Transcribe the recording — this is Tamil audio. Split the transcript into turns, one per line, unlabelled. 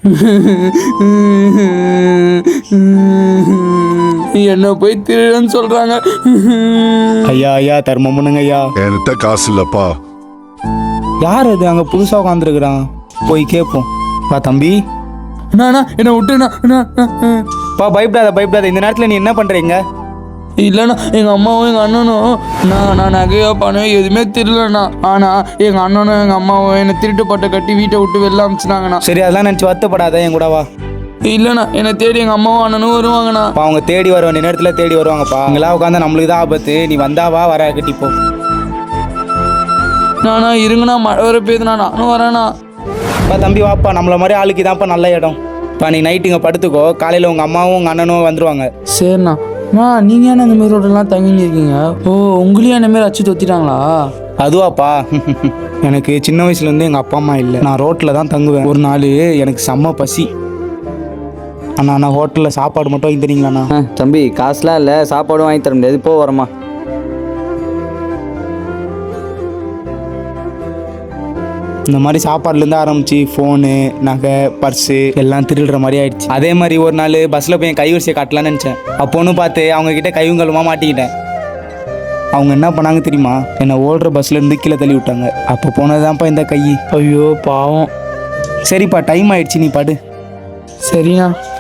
என்ன போய் திருடன்னு சொல்றாங்க.
ஐயா ஐயா தர்மம் பண்ணுங்க ஐயா.
என்கிட்ட காசு இல்லப்பா.
யார் அது அங்கே புதுசாக உட்காந்துருக்குறான்? போய் கேட்போம். பா தம்பி.
அண்ணா என்னை விட்டுண்ணா.
பா பயப்படாத பயப்படாத. இந்த நேரத்தில் நீ என்ன பண்ணுறீங்க?
இல்லைண்ணா எங்கள் அம்மாவும் எங்கள் அண்ணனும் நான் நகையோ பணம் எதுவுமே திருடலண்ணா. ஆனால் எங்கள் அண்ணனும் எங்கள் அம்மாவும் என்னை திருட்டு பட்டை கட்டி வீட்டை விட்டு வெளில அமிச்சினாங்கண்ணா.
சரி அதெல்லாம் நினச்சி வருத்தப்படாத, என் கூட வா.
இல்லைண்ணா என்னை தேடி எங்கள் அம்மாவும் அண்ணனும் வருவாங்கண்ணா.
அவங்க தேடி வருவாங்க, நேரத்தில் தேடி வருவாங்கப்பா. அங்கெல்லாம் உட்காந்தா நம்மளுக்கு தான் ஆபத்து. நீ வந்தாவா வர கட்டிப்போ.
நானா இருங்கண்ணா, மழை வர பெய்யுதுண்ணா, நானும் வரேண்ணா.
பா தம்பி வாப்பா, நம்மள மாதிரி ஆளுக்கு தான்ப்பா நல்ல இடம். இப்போ நீ நைட்டு இங்கே படுத்துக்கோ, காலையில் உங்கள் அம்மாவும் உங்கள் அண்ணனும் வந்துடுவாங்க.
சரிண்ணா. நீங்கள் ஏன்னா இந்த மாதிரி ரோடெல்லாம் தங்கின்னு இருக்கீங்க? ஓ உங்களையும் என்ன மாரி அச்சு தொத்திட்டாங்களா?
அதுவாப்பா, எனக்கு சின்ன வயசுலேருந்து எங்கள் அப்பா அம்மா இல்லை. நான் ரோட்டில் தான் தங்குவேன். ஒரு நாள் எனக்கு செம்ம பசி. அண்ணா நான் ஹோட்டலில் சாப்பாடு மட்டும் வாங்கி தரீங்களாண்ணா?
தம்பி காசுலாம் இல்லை, சாப்பாடும் வாங்கி தர முடியாது. இப்போ வரமா.
இந்த மாதிரி சாப்பாடுலேருந்து ஆரம்பிச்சு ஃபோனு நகை பர்ஸு எல்லாம் திருடுற மாதிரி ஆயிடுச்சு. அதே மாதிரி ஒரு நாள் பஸ்ஸில் போய் என் கைவரிசையை காட்டலான்னு நினச்சேன். அப்போன்னு பார்த்து அவங்கக்கிட்ட கைவங்கலுமாக மாட்டிக்கிட்டேன். அவங்க என்ன பண்ணாங்க தெரியுமா? என்னை ஓடுற பஸ்லேருந்து கீழே தள்ளி விட்டாங்க. அப்போ போனதுதான்ப்பா இந்த கை.
ஐயோ பாவம்.
சரிப்பா டைம் ஆயிடுச்சு, நீ படு.
சரிண்ணா.